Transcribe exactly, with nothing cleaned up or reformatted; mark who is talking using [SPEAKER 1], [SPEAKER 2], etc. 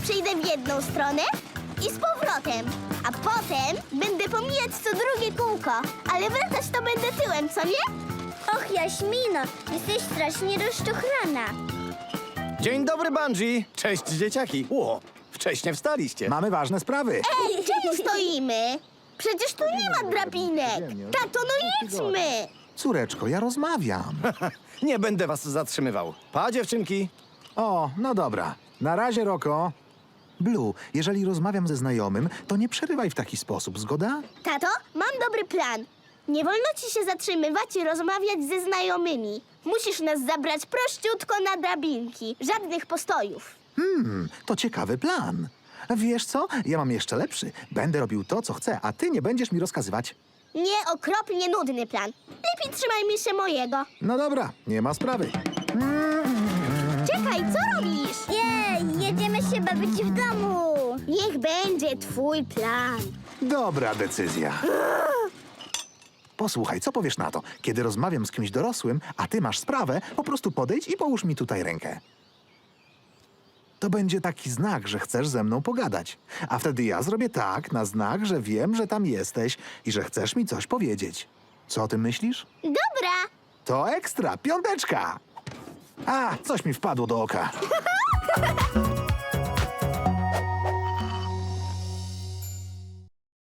[SPEAKER 1] przejdę w jedną stronę i z powrotem. A potem będę pomijać co drugie kółko. Ale wracać to będę tyłem, co nie?
[SPEAKER 2] Och, Jaśmino, jesteś strasznie rozczochrana.
[SPEAKER 3] Dzień dobry, Bungie! Cześć, dzieciaki! Ło, wcześnie wstaliście.
[SPEAKER 4] Mamy ważne sprawy.
[SPEAKER 1] Ej, czemu stoimy? Przecież tu nie ma drabinek. Tato, no jedźmy.
[SPEAKER 4] Córeczko, ja rozmawiam.
[SPEAKER 3] Nie będę was zatrzymywał. Pa, dziewczynki!
[SPEAKER 4] O, no dobra. Na razie, Roko. Blue, jeżeli rozmawiam ze znajomym, to nie przerywaj w taki sposób, zgoda?
[SPEAKER 1] Tato, mam dobry plan. Nie wolno ci się zatrzymywać i rozmawiać ze znajomymi. Musisz nas zabrać prościutko na drabinki. Żadnych postojów.
[SPEAKER 4] Hmm, to ciekawy plan. Wiesz co? Ja mam jeszcze lepszy. Będę robił to, co chcę, a ty nie będziesz mi rozkazywać.
[SPEAKER 1] Nie, okropnie nudny plan. Lepiej trzymajmy się mojego.
[SPEAKER 4] No dobra, nie ma sprawy.
[SPEAKER 1] Czekaj, co robisz?
[SPEAKER 2] Jej, jedziemy się bawić w domu.
[SPEAKER 1] Niech będzie twój plan.
[SPEAKER 4] Dobra decyzja. Posłuchaj, co powiesz na to? Kiedy rozmawiam z kimś dorosłym, a ty masz sprawę, po prostu podejdź i połóż mi tutaj rękę. To będzie taki znak, że chcesz ze mną pogadać. A wtedy ja zrobię tak, na znak, że wiem, że tam jesteś i że chcesz mi coś powiedzieć. Co o tym myślisz?
[SPEAKER 1] Dobra.
[SPEAKER 4] To ekstra, piąteczka! A, coś mi wpadło do oka.